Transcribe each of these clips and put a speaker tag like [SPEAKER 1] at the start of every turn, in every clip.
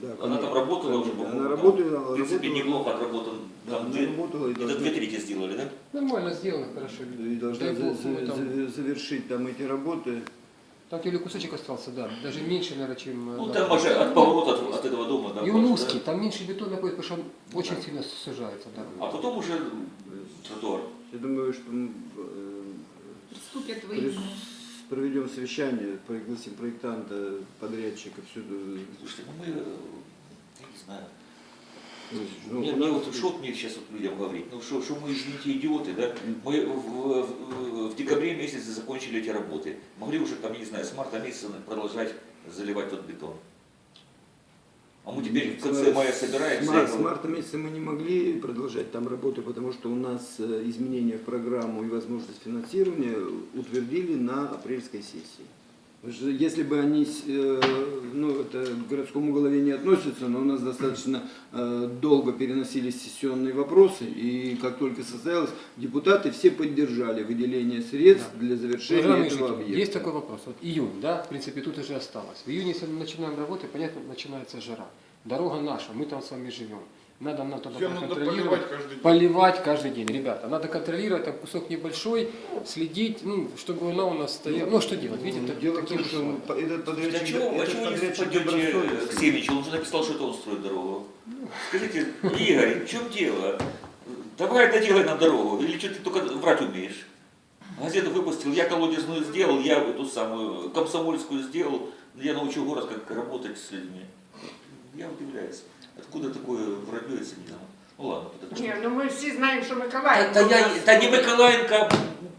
[SPEAKER 1] Она там работала уже,
[SPEAKER 2] Она работала,
[SPEAKER 1] в принципе, неплохо отработан.
[SPEAKER 2] Да,
[SPEAKER 1] Там
[SPEAKER 2] она работала и
[SPEAKER 1] где-то 2/3 сделали, да?
[SPEAKER 3] Нормально сделано, хорошо.
[SPEAKER 2] и должна
[SPEAKER 3] Дай бог, мы там-
[SPEAKER 2] завершить там эти работы.
[SPEAKER 3] Там или кусочек остался, да, даже меньше, наверное, чем...
[SPEAKER 1] Ну
[SPEAKER 3] да.
[SPEAKER 1] там уже от поворота от этого дома. Да,
[SPEAKER 3] И он
[SPEAKER 1] больше,
[SPEAKER 3] узкий,
[SPEAKER 1] да?
[SPEAKER 3] там меньше бетона находится, потому что он очень сильно сужается. Да.
[SPEAKER 1] А потом уже тротуар.
[SPEAKER 2] Я думаю, что мы
[SPEAKER 4] Приступят в июне.
[SPEAKER 2] проведем совещание, пригласим проектанта, подрядчика, всюду.
[SPEAKER 1] Слушайте, ну мы, я не знаю.
[SPEAKER 2] Ну,
[SPEAKER 1] Мне вот что мне сейчас вот людям говорить? Ну что мы, извините, идиоты, да? Мы в декабре месяце закончили эти работы. Могли уже там, не знаю, с марта месяца продолжать заливать тот бетон. А мы теперь в конце мая собираемся.
[SPEAKER 2] С марта месяца мы не могли продолжать там работу, потому что у нас изменения в программу и возможность финансирования утвердили на апрельской сессии. Если бы они, ну это к городскому голове не относятся, но у нас достаточно долго переносились сессионные вопросы, и как только состоялось, депутаты все поддержали выделение средств для завершения
[SPEAKER 3] Уважаемые
[SPEAKER 2] этого
[SPEAKER 3] жители,
[SPEAKER 2] объекта.
[SPEAKER 3] есть такой вопрос. Вот июнь, да, в принципе, тут уже осталось. В июне, если мы начинаем работать, понятно, начинается жара. Дорога наша, мы там с вами живем. Надо нам тогда
[SPEAKER 5] Её надо
[SPEAKER 3] проконтролировать,
[SPEAKER 5] поливать каждый день.
[SPEAKER 3] поливать каждый день. Ребята, надо контролировать, там кусок небольшой, следить, ну, чтобы она у нас стояла. Ну, что делать, видите,
[SPEAKER 2] Дело в
[SPEAKER 3] таким
[SPEAKER 2] том, что
[SPEAKER 3] условием.
[SPEAKER 2] этот
[SPEAKER 1] А
[SPEAKER 2] подрядчик,
[SPEAKER 1] чего вы не пойдете к Семичу? Он же написал, что это он строит дорогу. Скажите, Игорь, в чем дело? Давай доделай нам дорогу. Или что ты только врать умеешь? Газету выпустил, я колодезную сделал, я эту самую комсомольскую сделал, я научил город, как работать с людьми. Я удивляюсь. Откуда такое вранье, если не знаю. Ну ладно, подожди.
[SPEAKER 6] Ні, ну ми всі знаємо, що Миколаїв.
[SPEAKER 1] Та не Миколаєнка, а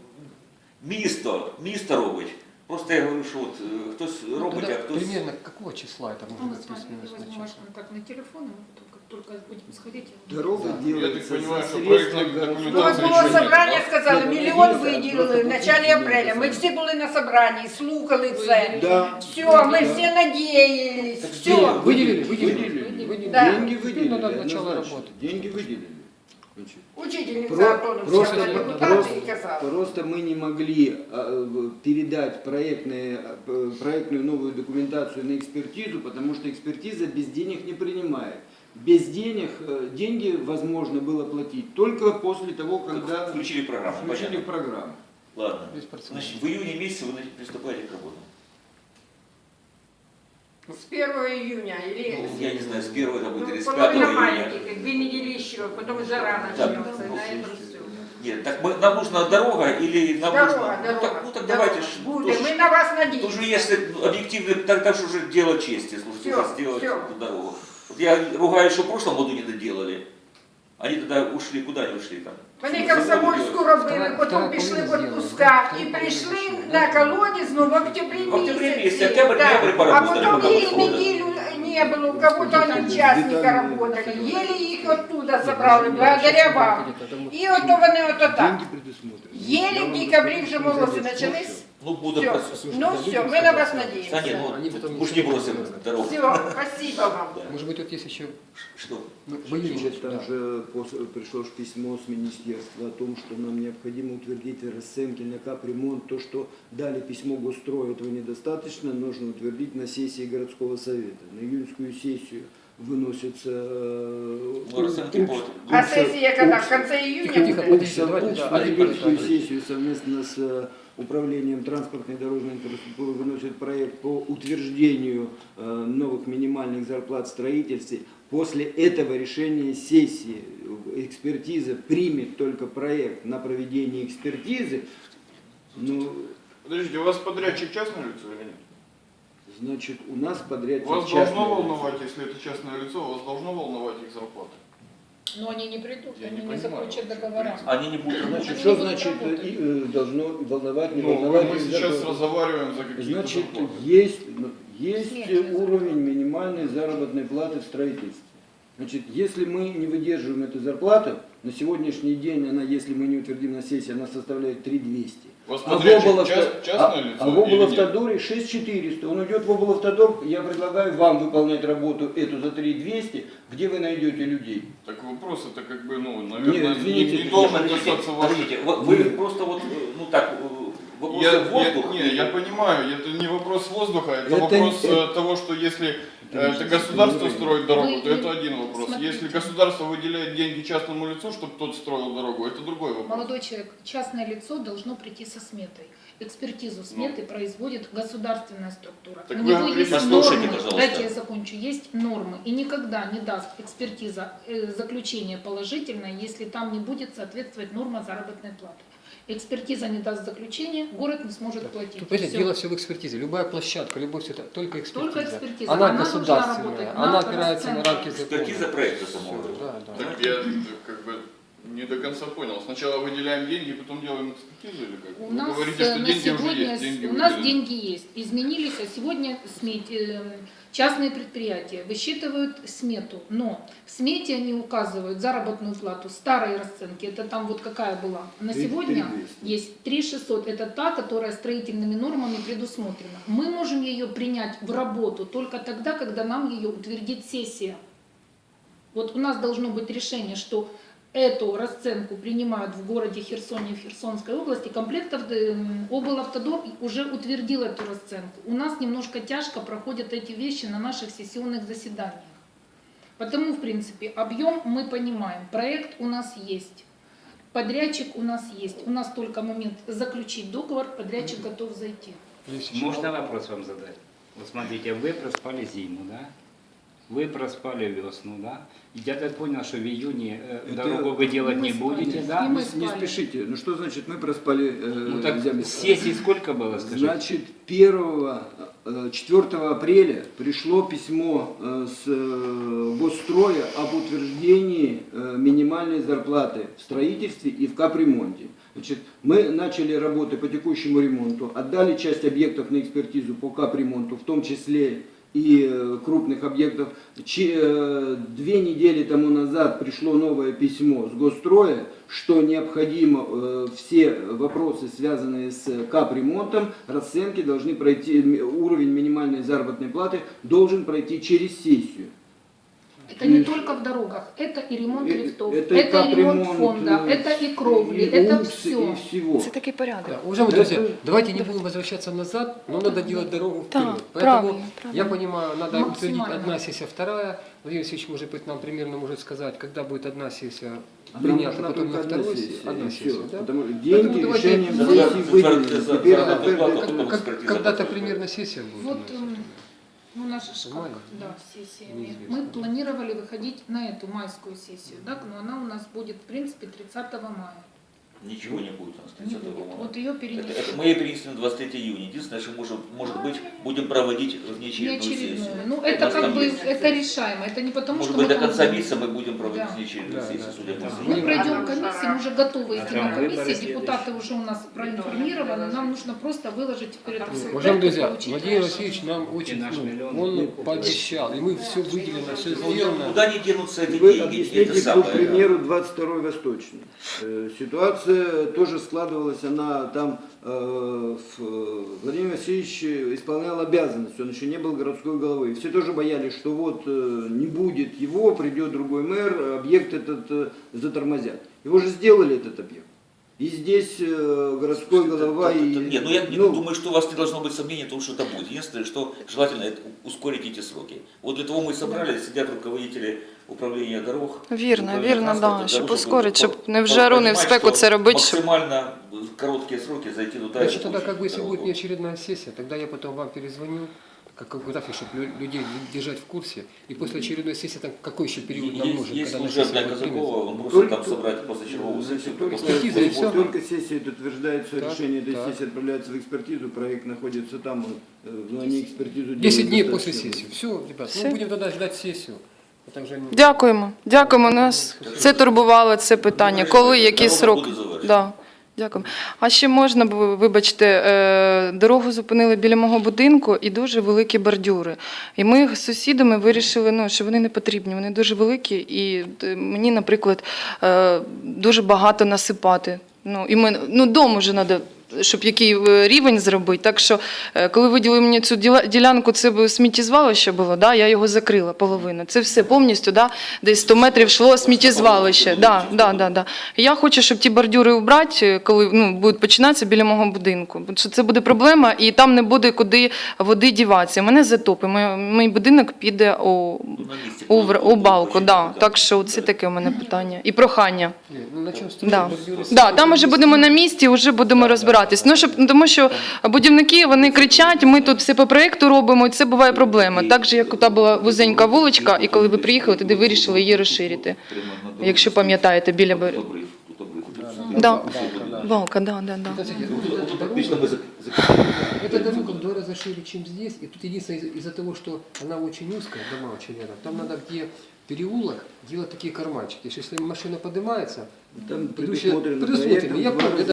[SPEAKER 1] місто робить. Просто я говорю, що от хтось
[SPEAKER 3] Ну,
[SPEAKER 1] робить,
[SPEAKER 3] тогда
[SPEAKER 1] а хтось...
[SPEAKER 3] примерно какого числа это может
[SPEAKER 4] Мы
[SPEAKER 3] быть
[SPEAKER 4] с вами
[SPEAKER 3] плюс-минус
[SPEAKER 4] возьмем ваш
[SPEAKER 3] начаться?
[SPEAKER 4] контакт на телефон, и мы как только будем сходить.
[SPEAKER 2] Дорога
[SPEAKER 5] Я
[SPEAKER 2] делается
[SPEAKER 5] так понимаю,
[SPEAKER 2] за
[SPEAKER 5] что
[SPEAKER 2] средства
[SPEAKER 5] проектная
[SPEAKER 2] городского
[SPEAKER 6] Ну, от
[SPEAKER 5] документация
[SPEAKER 6] було
[SPEAKER 5] еще нет,
[SPEAKER 6] собрання,
[SPEAKER 5] да?
[SPEAKER 6] сказали,
[SPEAKER 2] Ні,
[SPEAKER 6] мільйон
[SPEAKER 2] ну,
[SPEAKER 6] виділили в началі апреля. Ми всі були на собранні, слухали це.
[SPEAKER 2] Да.
[SPEAKER 6] Все, ми всі надіялись, все.
[SPEAKER 3] Выделили,
[SPEAKER 2] Выделили.
[SPEAKER 3] выделили.
[SPEAKER 6] Да.
[SPEAKER 2] Деньги
[SPEAKER 3] Теперь
[SPEAKER 2] выделили.
[SPEAKER 3] надо начало
[SPEAKER 2] однозначно.
[SPEAKER 3] работы.
[SPEAKER 2] Деньги выделили. Значит,
[SPEAKER 6] Учительниця Антоновська,
[SPEAKER 2] Просто,
[SPEAKER 6] депутати і казали.
[SPEAKER 2] просто мы не могли передать проектную новую документацию на экспертизу, потому что экспертиза без денег не принимает. Без денег деньги возможно было платить только после того, когда
[SPEAKER 1] Включили программу.
[SPEAKER 2] включили
[SPEAKER 1] понятно.
[SPEAKER 2] программу.
[SPEAKER 1] Ладно.
[SPEAKER 3] Без процентов.
[SPEAKER 1] Значит, в июне месяце вы приступаете к работе.
[SPEAKER 6] З 1 июня, или...
[SPEAKER 1] Я не знаю, с 1 это будет или с 5
[SPEAKER 6] половина
[SPEAKER 1] июня.
[SPEAKER 6] маленьких, 2 недели еще, потом жара
[SPEAKER 1] Да.
[SPEAKER 6] начнется, на это все.
[SPEAKER 1] Нет, так нам нужна дорога или нам
[SPEAKER 6] Дорога,
[SPEAKER 1] нужно...
[SPEAKER 6] дорога.
[SPEAKER 1] Ну так давайте ж.
[SPEAKER 6] Буде,
[SPEAKER 1] тоже-
[SPEAKER 6] ми на вас
[SPEAKER 1] Тоже
[SPEAKER 6] надіємося.
[SPEAKER 1] если объективно, так что уже дело чести, слушайте,
[SPEAKER 6] Всё,
[SPEAKER 1] уже сделать
[SPEAKER 6] всё.
[SPEAKER 1] эту дорогу. Вот я ругаюсь, что в прошлом году не доделали. Они тогда ушли, куда они ушли там?
[SPEAKER 6] Вони комсомольську робили, потім пішли в отпуска і прийшли на колодезну в октябрі
[SPEAKER 1] В октябре
[SPEAKER 6] місяці.
[SPEAKER 1] месяце, октябрь,
[SPEAKER 6] Да.
[SPEAKER 1] ноябрь
[SPEAKER 6] А
[SPEAKER 1] поработали,
[SPEAKER 6] потом
[SPEAKER 1] пока
[SPEAKER 6] ей
[SPEAKER 1] пришло, да.
[SPEAKER 6] неделю не было, у кого-то они участника работали. Еле их оттуда забрали, благодаря вам. І ото вони ото так.
[SPEAKER 2] Деньги предусмотрены.
[SPEAKER 6] Еле в декабре вже морози почались.
[SPEAKER 1] Ну, буду
[SPEAKER 6] Все,
[SPEAKER 1] просто...
[SPEAKER 6] ну все, мы на вас
[SPEAKER 1] Да
[SPEAKER 6] надеемся.
[SPEAKER 1] не, ну,
[SPEAKER 3] Они потом
[SPEAKER 1] уж не бросим дорогу.
[SPEAKER 6] Все, спасибо вам.
[SPEAKER 3] Может быть, тут есть еще
[SPEAKER 1] Что?
[SPEAKER 3] ну, в июне.
[SPEAKER 2] Значит, там
[SPEAKER 3] Да.
[SPEAKER 2] же пришло ж письмо с министерства о том, что нам необходимо утвердить расценки на капремонт. То, что дали письмо Госстрою, этого недостаточно, нужно утвердить на сессии городского совета. На июньскую сессию выносится
[SPEAKER 1] Ну, расценки по...
[SPEAKER 6] А сессия когда? В конце
[SPEAKER 3] Тихо,
[SPEAKER 6] июня?
[SPEAKER 3] тихо,
[SPEAKER 6] будет?
[SPEAKER 3] подождите, давайте, да,
[SPEAKER 2] на
[SPEAKER 3] один
[SPEAKER 2] июньскую
[SPEAKER 3] подожди.
[SPEAKER 2] сессию совместно с управлением транспортной и дорожной инфраструктуры выносит проект по утверждению новых минимальных зарплат в строительстве. После этого решения сессии экспертиза примет только проект на проведение экспертизы. Ну,
[SPEAKER 5] Подождите, у вас подрядчик частное лицо или нет?
[SPEAKER 2] значит, у нас подрядчик
[SPEAKER 5] Вас
[SPEAKER 2] частное
[SPEAKER 5] должно
[SPEAKER 2] лицо.
[SPEAKER 5] волновать, если это частное лицо, вас должно волновать их зарплаты.
[SPEAKER 4] Но они не придут,
[SPEAKER 5] Я
[SPEAKER 4] они
[SPEAKER 5] не
[SPEAKER 4] не
[SPEAKER 5] понимаю,
[SPEAKER 4] заключат
[SPEAKER 5] вообще,
[SPEAKER 4] договора.
[SPEAKER 1] Они не будут...
[SPEAKER 2] Значит,
[SPEAKER 4] Они
[SPEAKER 2] что
[SPEAKER 4] не будут
[SPEAKER 2] значит
[SPEAKER 4] работать.
[SPEAKER 2] должно волновать, не
[SPEAKER 5] Ну,
[SPEAKER 2] волновать?
[SPEAKER 5] мы
[SPEAKER 2] их
[SPEAKER 5] сейчас
[SPEAKER 2] зарплату?
[SPEAKER 5] разговариваем за какие-то
[SPEAKER 2] Значит,
[SPEAKER 5] зарплаты.
[SPEAKER 2] есть
[SPEAKER 4] Смешно.
[SPEAKER 2] уровень минимальной заработной платы в строительстве. Значит, если мы не выдерживаем эту зарплату, на сегодняшний день она, если мы не утвердим на сессии, она составляет 3200.
[SPEAKER 5] У вас
[SPEAKER 2] А в
[SPEAKER 5] подрядчик
[SPEAKER 2] облавто-
[SPEAKER 5] частное лицо
[SPEAKER 2] а в
[SPEAKER 5] или нет?
[SPEAKER 2] облавтодоре 6400. Он идет в облавтодор, я предлагаю вам выполнять работу эту за 3200, где вы найдете людей.
[SPEAKER 5] Так вопрос это как бы, ну, наверное,
[SPEAKER 2] Нет, извините,
[SPEAKER 5] не должен
[SPEAKER 1] Подождите,
[SPEAKER 5] касаться ваших...
[SPEAKER 1] подождите, вы просто вот, ну так, вопросы в воздух.
[SPEAKER 5] Я понимаю, это не вопрос воздуха, это
[SPEAKER 2] Это
[SPEAKER 5] вопрос
[SPEAKER 2] не-
[SPEAKER 5] того, что если это государство строит дорогу,
[SPEAKER 4] Вы-
[SPEAKER 5] то это один вопрос.
[SPEAKER 4] смотрите.
[SPEAKER 5] Если государство выделяет деньги частному лицу, чтобы тот строил дорогу, это другой вопрос.
[SPEAKER 4] Молодой человек, частное лицо должно прийти со сметой. Экспертизу сметы производит государственная структура.
[SPEAKER 5] Так
[SPEAKER 4] У
[SPEAKER 5] вы
[SPEAKER 4] него
[SPEAKER 5] говорите,
[SPEAKER 4] есть
[SPEAKER 1] послушайте,
[SPEAKER 4] нормы,
[SPEAKER 1] пожалуйста.
[SPEAKER 4] дайте я закончу, есть нормы, и никогда не даст экспертиза заключение положительное, если там не будет соответствовать норма заработной платы. Экспертиза не даст заключения, город не сможет платить.
[SPEAKER 3] Тут, понимаете,
[SPEAKER 4] Всё.
[SPEAKER 3] дело все в экспертизе. Любая площадка, любой все это только экспертиза.
[SPEAKER 4] Только экспертиза.
[SPEAKER 3] Она
[SPEAKER 4] Она должна
[SPEAKER 3] государственная,
[SPEAKER 4] работать
[SPEAKER 3] она
[SPEAKER 4] на
[SPEAKER 3] опирается на
[SPEAKER 4] расценку.
[SPEAKER 3] рамки закона.
[SPEAKER 1] Экспертиза проекта самого.
[SPEAKER 3] Всё, да, да.
[SPEAKER 5] Так я как бы не до конца понял. Сначала выделяем деньги, потом делаем экспертизу или как?
[SPEAKER 4] У
[SPEAKER 5] Вы
[SPEAKER 4] нас
[SPEAKER 5] говорите, что
[SPEAKER 4] на
[SPEAKER 5] деньги уже
[SPEAKER 4] сегодня
[SPEAKER 5] есть, деньги
[SPEAKER 4] у нас
[SPEAKER 5] выделены.
[SPEAKER 4] деньги есть, изменились, а сегодня частные предприятия высчитывают смету, но в смете они указывают заработную плату старой расценки, это там вот какая была. На
[SPEAKER 2] 3
[SPEAKER 4] сегодня
[SPEAKER 2] 300.
[SPEAKER 4] есть 3600, это та, которая строительными нормами предусмотрена. Мы можем ее принять в работу только тогда, когда нам ее утвердит сессия. Вот у нас должно быть решение, что эту расценку принимают в городе Херсоне, в Херсонской области. Облавтодор уже утвердил эту расценку. У нас немножко тяжко проходят эти вещи на наших сессионных заседаниях. Потому, в принципе, объем мы понимаем. Проект у нас есть. Подрядчик у нас есть. У нас только момент заключить договор, подрядчик готов зайти.
[SPEAKER 3] Есть еще
[SPEAKER 7] Можно вопрос вам задать? Вот смотрите, вы проспали зиму, да? Вы проспали весну, да? Я так понял, что в июне дорогу вы делать не
[SPEAKER 4] Мы спали.
[SPEAKER 7] будете,
[SPEAKER 4] И
[SPEAKER 7] да?
[SPEAKER 4] мы
[SPEAKER 2] Не
[SPEAKER 4] спали.
[SPEAKER 2] спешите. Ну что значит мы проспали
[SPEAKER 7] Ну так
[SPEAKER 2] землю?
[SPEAKER 7] сессий сколько было, скажите?
[SPEAKER 2] Значит, 4 апреля пришло письмо с Госстроя об утверждении минимальной зарплаты в строительстве и в капремонте. Значит, мы начали работы по текущему ремонту, отдали часть объектов на экспертизу по капремонту, в том числе и крупных объектов. 2 недели тому назад пришло новое письмо с Госстроя, что необходимо все вопросы, связанные с капремонтом, расценки должны пройти, уровень минимальной заработной платы должен пройти через сессию.
[SPEAKER 4] Это не только в дорогах, это и ремонт лифтов,
[SPEAKER 2] это и
[SPEAKER 4] это и ремонт
[SPEAKER 2] капремонт,
[SPEAKER 4] фонда, это и кровли,
[SPEAKER 2] и
[SPEAKER 4] это
[SPEAKER 2] УКС,
[SPEAKER 4] все.
[SPEAKER 2] и всего.
[SPEAKER 8] Це такий порядок.
[SPEAKER 3] Да, уважаемые друзья, давайте не будем возвращаться назад, но надо делать дорогу вперед.
[SPEAKER 8] Да,
[SPEAKER 3] Поэтому,
[SPEAKER 8] правильно,
[SPEAKER 3] я понимаю, надо утвердить
[SPEAKER 4] Максимально.
[SPEAKER 3] одна сессия, вторая. Владимир Васильевич, может быть, нам примерно может сказать, когда будет одна сессия
[SPEAKER 2] Нам
[SPEAKER 3] принята,
[SPEAKER 2] нужна
[SPEAKER 3] потом
[SPEAKER 2] только
[SPEAKER 3] на
[SPEAKER 2] одна
[SPEAKER 3] второй
[SPEAKER 2] сессия,
[SPEAKER 3] сессии. Одна
[SPEAKER 2] и
[SPEAKER 3] сессия,
[SPEAKER 2] всё.
[SPEAKER 3] да?
[SPEAKER 2] Потому что
[SPEAKER 3] Поэтому
[SPEAKER 2] деньги,
[SPEAKER 3] давайте
[SPEAKER 2] решением
[SPEAKER 3] вы-
[SPEAKER 2] сессии выделены.
[SPEAKER 1] за-
[SPEAKER 2] Теперь
[SPEAKER 1] за-
[SPEAKER 2] затвердить-
[SPEAKER 1] за-
[SPEAKER 3] Как-
[SPEAKER 1] экспертиза
[SPEAKER 3] Когда-то
[SPEAKER 1] потом.
[SPEAKER 3] примерно сессия будет.
[SPEAKER 4] Вот,
[SPEAKER 3] у нас.
[SPEAKER 4] ну, наша ж
[SPEAKER 3] Май?
[SPEAKER 4] как, да, сессия.
[SPEAKER 3] Неизвестно.
[SPEAKER 4] Мы планировали выходить на эту майскую сессию, да, но она у нас будет, в принципе, 30 мая.
[SPEAKER 1] Ничего не будет у нас
[SPEAKER 4] Не
[SPEAKER 1] 30
[SPEAKER 4] будет.
[SPEAKER 1] мая.
[SPEAKER 4] Вот ее
[SPEAKER 1] Это
[SPEAKER 4] перенесем.
[SPEAKER 1] мы ее перенесли на 23 июня. Единственное, что может быть, будем проводить внеочередную
[SPEAKER 4] Неочередную.
[SPEAKER 1] сессию.
[SPEAKER 4] Ну,
[SPEAKER 1] У
[SPEAKER 4] это
[SPEAKER 1] нас
[SPEAKER 4] как
[SPEAKER 1] там
[SPEAKER 4] бы,
[SPEAKER 1] есть.
[SPEAKER 4] это решаемо. Это не потому,
[SPEAKER 1] Может
[SPEAKER 4] что
[SPEAKER 1] быть,
[SPEAKER 4] мы
[SPEAKER 1] до конца
[SPEAKER 4] там-
[SPEAKER 1] месяца мы будем проводить
[SPEAKER 4] Да.
[SPEAKER 1] внеочередную
[SPEAKER 3] Да,
[SPEAKER 1] сессию,
[SPEAKER 3] да.
[SPEAKER 1] судя по
[SPEAKER 3] Да.
[SPEAKER 1] всему.
[SPEAKER 4] Мы пройдем комиссию, мы уже готовы идти
[SPEAKER 7] там
[SPEAKER 4] на
[SPEAKER 7] выборы
[SPEAKER 4] комиссии, депутаты
[SPEAKER 7] следующие.
[SPEAKER 4] уже у нас проинформированы, нам нужно просто выложить теперь это все.
[SPEAKER 3] Уважаемые друзья, Владимир Васильевич нам очень,
[SPEAKER 7] наш миллион.
[SPEAKER 3] он пообещал, и мы все выделено, все сделано.
[SPEAKER 1] Куда не денутся эти
[SPEAKER 2] Вы
[SPEAKER 1] деньги? Это
[SPEAKER 2] объясните, к
[SPEAKER 1] самое.
[SPEAKER 2] примеру, 22-й Восточный. Ситуация тоже складывалась, она там, Владимир Васильевич исполнял обязанность, он еще не был городской головой. Все тоже боялись, что вот не будет его, придет другой мэр, объект этот затормозят. Его же сделали, этот объект. И здесь городской голова и...
[SPEAKER 1] Нет, ну я
[SPEAKER 2] ну,
[SPEAKER 1] думаю, что у вас не должно быть сомнений в том, что это будет. Единственное, что желательно это ускорить эти сроки. Вот для того мы и собрались, сидят руководители управління дорог.
[SPEAKER 8] Вірно,
[SPEAKER 1] управління
[SPEAKER 8] вірно,
[SPEAKER 1] транспорту,
[SPEAKER 8] да,
[SPEAKER 1] для
[SPEAKER 8] щоб
[SPEAKER 1] того,
[SPEAKER 8] ускорити, щоб не в
[SPEAKER 1] по-
[SPEAKER 8] жару, не в
[SPEAKER 1] понимать,
[SPEAKER 8] спеку
[SPEAKER 1] что
[SPEAKER 8] це робити, щоб...
[SPEAKER 1] Максимально в короткие сроки зайти туда.
[SPEAKER 3] Значит,
[SPEAKER 1] и
[SPEAKER 3] тогда
[SPEAKER 1] закончить
[SPEAKER 3] как бы, если
[SPEAKER 1] дорогу.
[SPEAKER 3] будет неочередная сессия, тогда я потом вам перезвоню, как график, чтобы людей держать в курсе. И после очередной сессии, там, какой еще период нам нужен,
[SPEAKER 1] Есть
[SPEAKER 3] когда на
[SPEAKER 1] служебная
[SPEAKER 3] сессию будет принято?
[SPEAKER 1] Казакова, он просит
[SPEAKER 2] Только-
[SPEAKER 1] там собрать позачерговую сессию.
[SPEAKER 2] Только,
[SPEAKER 3] Экспертиза и всё.
[SPEAKER 2] только сессия это утверждается,
[SPEAKER 3] Так,
[SPEAKER 2] решение этой
[SPEAKER 3] так.
[SPEAKER 2] сессии отправляется в экспертизу, проект находится там, но они экспертизу
[SPEAKER 3] 10
[SPEAKER 2] делают
[SPEAKER 3] дней
[SPEAKER 2] достаточно
[SPEAKER 3] после сессии. Все, ребят,
[SPEAKER 8] Все.
[SPEAKER 3] мы будем тогда ждать сессию. Это уже не-
[SPEAKER 8] Дякуємо, дякуємо, нас це турбувало, це питання. Коли, який
[SPEAKER 1] Дорога
[SPEAKER 8] срок?
[SPEAKER 1] буде завершена.
[SPEAKER 8] Да. Дякую. А ще можна, вибачте, дорогу зупинили біля мого будинку і дуже великі бордюри. І ми з сусідами вирішили, ну, що вони не потрібні, вони дуже великі, і мені, наприклад, дуже багато насипати. Ну, і ми, ну, дом уже треба щоб який рівень зробити. Так що, коли виділили мені цю ділянку, це б сміттєзвалище було, да, я його закрила половину. Це все повністю, да, десь 100 метрів йшло сміттєзвалище. Да. І я хочу, щоб ті бордюри убрати, коли будуть починатися біля мого будинку. Бо це буде проблема, і там не буде куди води діватися. Мене затопить, мій будинок піде у балку. Да. Так що це таке у мене питання. І прохання.
[SPEAKER 3] На чому строїть
[SPEAKER 8] Да.
[SPEAKER 3] бордюри?
[SPEAKER 8] Да, там вже будемо на місці, вже будемо розбиратись. Тому що будівники, вони кричать, ми тут все по проєкту робимо, і це буває проблема. Так же, як та була вузенька вуличка, і коли ви приїхали, тоді вирішили її розширити. Якщо пам'ятаєте, біля
[SPEAKER 1] Тут обрив, тут обрив.
[SPEAKER 8] Да. Балка, да.
[SPEAKER 1] Фактично ми
[SPEAKER 3] Эта дорога в 2 раза шире, чем здесь. И тут единственное, из-за того, что она очень узкая, дома очень рядом, там надо где переулок делать такие карманчики. Если машина поднимается,
[SPEAKER 2] Там
[SPEAKER 3] идущая-
[SPEAKER 2] предусмотрено
[SPEAKER 3] предусмотрено.
[SPEAKER 2] проектом
[SPEAKER 3] Я
[SPEAKER 2] 2
[SPEAKER 3] помню,
[SPEAKER 2] раза